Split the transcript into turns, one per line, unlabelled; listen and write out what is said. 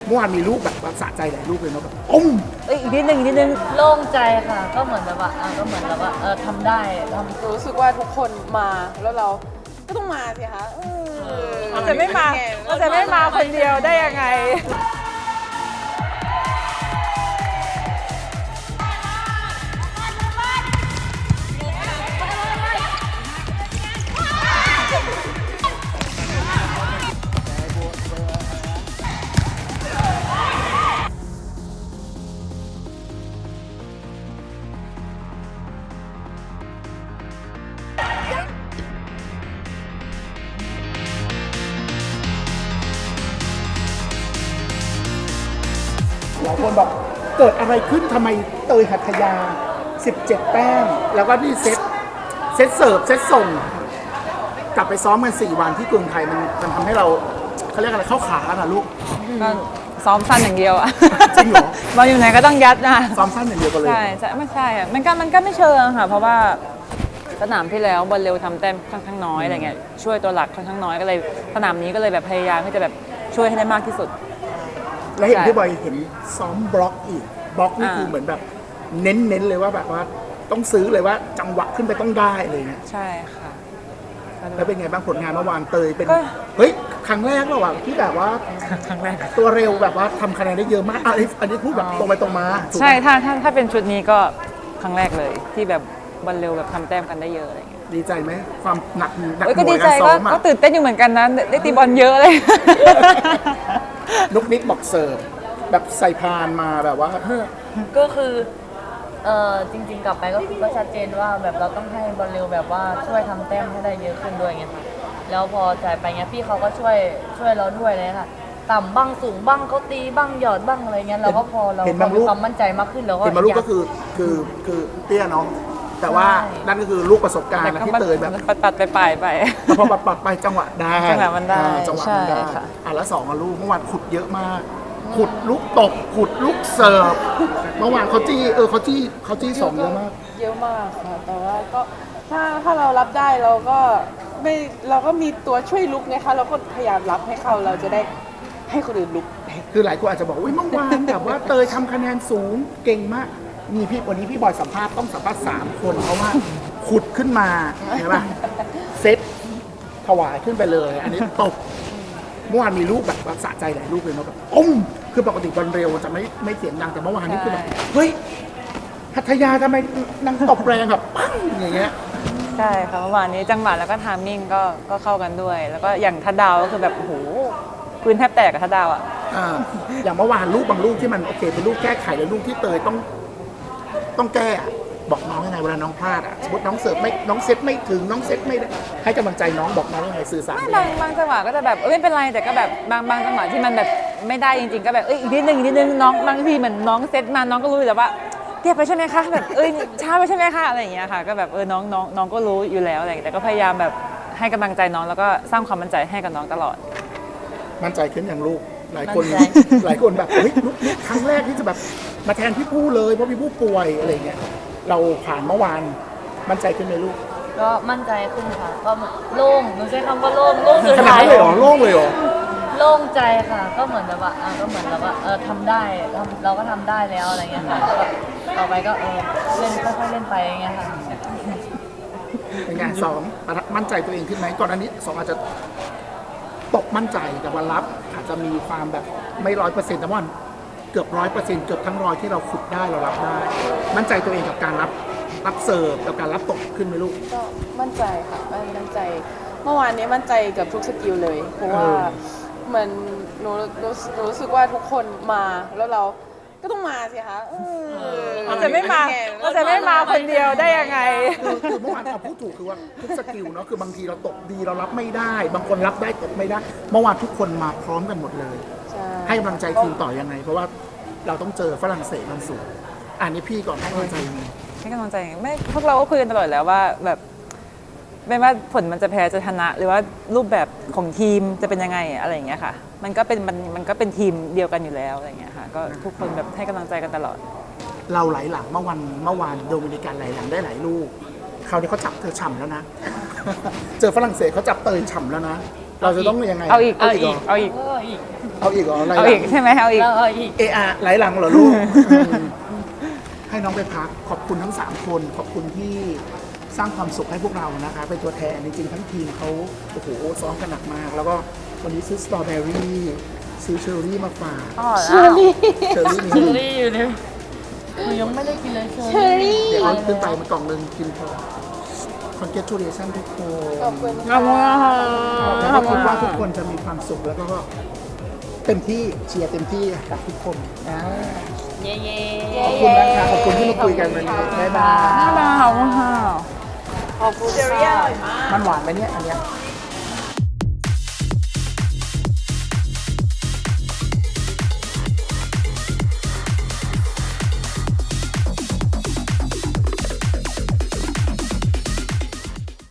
มื่อวานมีลูกแบบสะใจหลายลูกเลยเนาะแบบ
อีกนิดนึง
โล่งใจค่ะก็เหมือนแบบว่าก็เหมือนแบบว่าทำได้
รู้สึกว่าทุกคนมาแล้วเราก็ต้องมาสิคะ
มันจะไม่มาคนเดียวได้ยังไง
หลายคนบอกเกิดอะไรขึ้นทำไมเตยหัตถยา17 แต้มแล้วก็นี่เซตเสิร์ฟเซตส่งกลับไปซ้อมกัน4 วันที่กรุงไทยมันทำให้เราเขาเรียกอะไรเข้าขาอะลูก
ก็ซ้อมสั้นอย่างเดียวอะ
จริงเหรอ
มาอยู่ไหนก็ต้องยัดนะ
ซ้อมสั้นอย่างเดียวกันเลย
ใช่ไม่ใช่อะมันก็ไม่เชิงค่ะเพราะว่าสนามที่แล้วบอลเร็วทำแต้มค่อนข้างน้อยอะไรเงี้ยช่วยตัวหลักค่อนข้างน้อยก็เลยสนามนี้ก็เลยแบบพยายามที่จะแบบช่วยให้ได้มากที่สุด
แล้วเห็นพี่บอยเห็นซ้อมบล็อกอีกบล็อกนี่คือเหมือนแบบเน้นเลยว่าแบบว่าต้องซื้อเลยว่าจังหวะขึ้นไปต้องได้เลยเนี่ย
ใช่ค่ะ
แล้วเป็นไงบ้างผลงานเมื่อวานเตยเป็นเฮ้ยครั้งแรกระหว่างที่แบบว่า
ครั้งแรก
ตัวเร็วแบบว่าทำคะแนนได้เยอะมากอันนี้พูดแบบตรงไปตรงมา
ใช่ถ้าเป็นชุดนี้ก็ครั้งแรกเลยที่แบบบอลเร็วแบบทำแต้มกันได้เยอะอะไรเงี้ย
ดีใจไหมความหนัก
ก็ดีใจก็ตื่นเต้นอยู่เหมือนกันนะได้ตีบอลเยอะเลย
นุกนิกบอกเสิร์ฟแบบใส่พานมาแบบว่า
ก็คือจริงๆกลับไปก็คือก็ชัดเจนว่าแบบเราต้องให้บอลเร็วแบบว่าช่วยทำแต้มให้ได้เยอะขึ้นด้วยไงค่ะแล้วพอจ่ายไปเงี้ยพี่เขาก็ช่วยเราด้วยเลยค่ะต่ำบ้างสูงบ้างเขาตีบ้างหยอดบ้างอะไรเงี้ยเราก็พอเรามีความมั่นใจมากขึ้นแล้วก็
เห็นมาลูกก็คือเตี้ยน้องแต่ว่านั่นก็คือลูกประสบการณ์ที่เตยแบบ
ปัดไป
พอปัดไปจังหวะได้
จังหวะมันได้
ใช่ค่ะแล้ว2ลูกเมื่อวานขุดเยอะมากขุดลูกตบขุดลูกเสิร์ฟเมื่อวานเขาจี้2เยอะมาก
ค่ะแต่ว่าก็ถ้าเรารับได้เราก็มีตัวช่วยลุกนะคะเราก็พยายามรับให้เราจะได้ให้คนอื่นลุก
คือหลายคนอาจจะบอกว่าเมื่อวานแบบว่าเตยทำคะแนนสูงเก่งมากมีวันนี้พี่บอยสัมภาษณ์ต้องสัมภาษณ์3 คนเพราะว่าขุดขึ้นมาใช่ป่ะเซตถวายขึ้นไปเลยอันนี้ตบเมื่อวานมีลูกแบบสะใจหลายลูกเลยเนาะแบบคือปกติบอลเร็วจะไม่เสียงดังแต่เมื่อวานนี้คือแบบเฮ้ยหัตถยาทำไมนางตบแรงแบบปั้งอย่างเงี้ย
ใช่ค่ะเมื่อวานนี้จังหวะแล้วก็ไทามมิ่งก็เข้ากันด้วยแล้วก็อย่างทัดดาวก็คือแบบโอ้โหพื้นแทบแตกกับทัดดาว
อย่างเมื่อวานลูกบางลูกที่มันโอเคเป็นลูกแก้ไขแล้วลูกที่เตยต้องแก้บอกน้องยังไงเวลาน้องพลาดสมมติน้องเสิร์ฟไม่น้องเซตไม่ถึงน้องเซตไม่ได้ให้กำลังใจน้องบอกน้องยังไงสื่อสาร
บางจังหวะก็จะแบบไม่เป็นไรแต่ก็แบบบางจังหวะที่มันแบบไม่ได้จริงๆก็แบบอีกนิดนึงน้องบางทีเหมือนน้องเซตมาน้องก็รู้อยู่แล้วว่าเทียบไปใช่ไหมคะแบบช้าไปใช่ไหมคะอะไรอย่างเงี้ยค่ะก็แบบน้องก็รู้อยู่แล้วอะไรแต่ก็พยายามแบบให้กำลังใจน้องแล้วก็สร้างความมั่นใจให้กับน้องตลอด
มั่นใจขึ้นอย่างลูกหลายคนแบบเฮ้ยลูกครั้งแรกที่จะแบบมาแทนพี่ผู้เลยเพราะพี่ผู้ป่วยอะไรเงี้ยเราผ่านเมื่อวานมั่นใจขึ้นไหมลูก
ก็มั่นใจขึ้นค่ะก็โล่งหนูใช้คำว่าโล่งสุด
ท้ายเลยเหรอโล่งเลยเหรอ
โล่งใจค่ะก็เหมือนแบบว่าก็เหมือนแบบว่าทำได้เราก็ทำได้แล้วอะไรเงี้ยค่ะต่อไปก็เล่นค่อยๆเล่นไปอย่างเงี้ยค่ะ
เป็นไง2มั่นใจตัวเองขึ้นไหมก่อนอันนี้2อาจจะตกมั่นใจแต่วันรับอาจจะมีความแบบไม่100%แต่ว่าเกือบ100%เกือบทั้ง100ที่เราฝึกได้เรารับได้มั่นใจตัวเองกับการรับเสิร์ฟกับการรับตกขึ้นไหมลูก
ก็มั่นใจค่ะมั่นใจเมื่อวานนี้มั่นใจกับทุกสกิลเลยเพราะว่าเหมือนหนูรู้สึกว่าทุกคนมาแล้วเราก็ต้องมาสิคะ
มันจะไม่มาคนเดียวได้ยังไง
คือเมื่อวานพูดถูกคือว่าทุกสกิลเนาะคือบางทีเราตกดีเรารับไม่ได้บางคนรับได้ตกไม่ได้เมื่อวานทุกคนมาพร้อมกันหมดเลยให้กำลังใจทีมต่อยังไงเพราะว่าเราต้องเจอฝรั่งเศสวันศุกร์อันนี้พี่ก่อนให้กำลังใจยังไง
ให้กำลังใจไม่พวกเราก็คุยกันตลอดแล้วว่าแบบไม่ว่าผลมันจะแพ้จะชนะหรือว่ารูปแบบของทีมจะเป็นยังไงอะไรอย่างเงี้ยค่ะมันก็เป็นทีมเดียวกันอยู่แล้วอะไรอย่างเงี้ยค่ะก็ทุกคนแบบให้กำลังใจกันตลอด
เราไหลหลังเมื่อวานโดมินิกันไหลหลังได้หลายลูกคราวนี้เขาจับเธอฉ่ำแล้วนะเจอฝรั่งเศสเขาจับเตยฉ่ำแล้วนะเราจะต้องยังไง
เอาอีก
เอาอีกเหรอ
เอาอีก
อีก
เอาอีกเหรออะไร
เอาอีกใช่ไหมเอาอีก
แล้วอีก
เออะไหลหลังเหรอลูกให้น้องไปพักขอบคุณทั้ง 3 คนขอบคุณที่สร้างความสุขให้พวกเรานะคะเป็นตัวแทนจริงๆทั้งทีมเขาโอ้โหซ้อมกันหนักมาก แล้วก็วันนี้ซื้อสตรอเบอรี่ซื้อเชอร์รี่มาฝาก
อ๋อ
เชอรี่
เชอร์รี่
เชอ
นี่
รี่อยู่เนี่ยหนูยังไม่ได้กินเลยเชอ
เชอรี่
เดี๋ยวเอาขึ้นไปมากล่องหนึ่งกินพอ congratulation ทุกคน
ขอบคุณ
ขอบคุณค่ะ
แล้วก็คิดว่าทุกคนจะมีความสุขแล้วก็เต็มที่เชียร์เต็มที่กับทุกคนนะ
เย่เย่
ขอบคุณนะคะขอบคุณที่มาคุยกันวันนี้บ๊ายบาย
บ๊ายบายขอบคุณค่ะ
ขอบคุณเชอรี่อร่อยมาก
มันหวานไหมเนี่ยอันเนี้ย
ห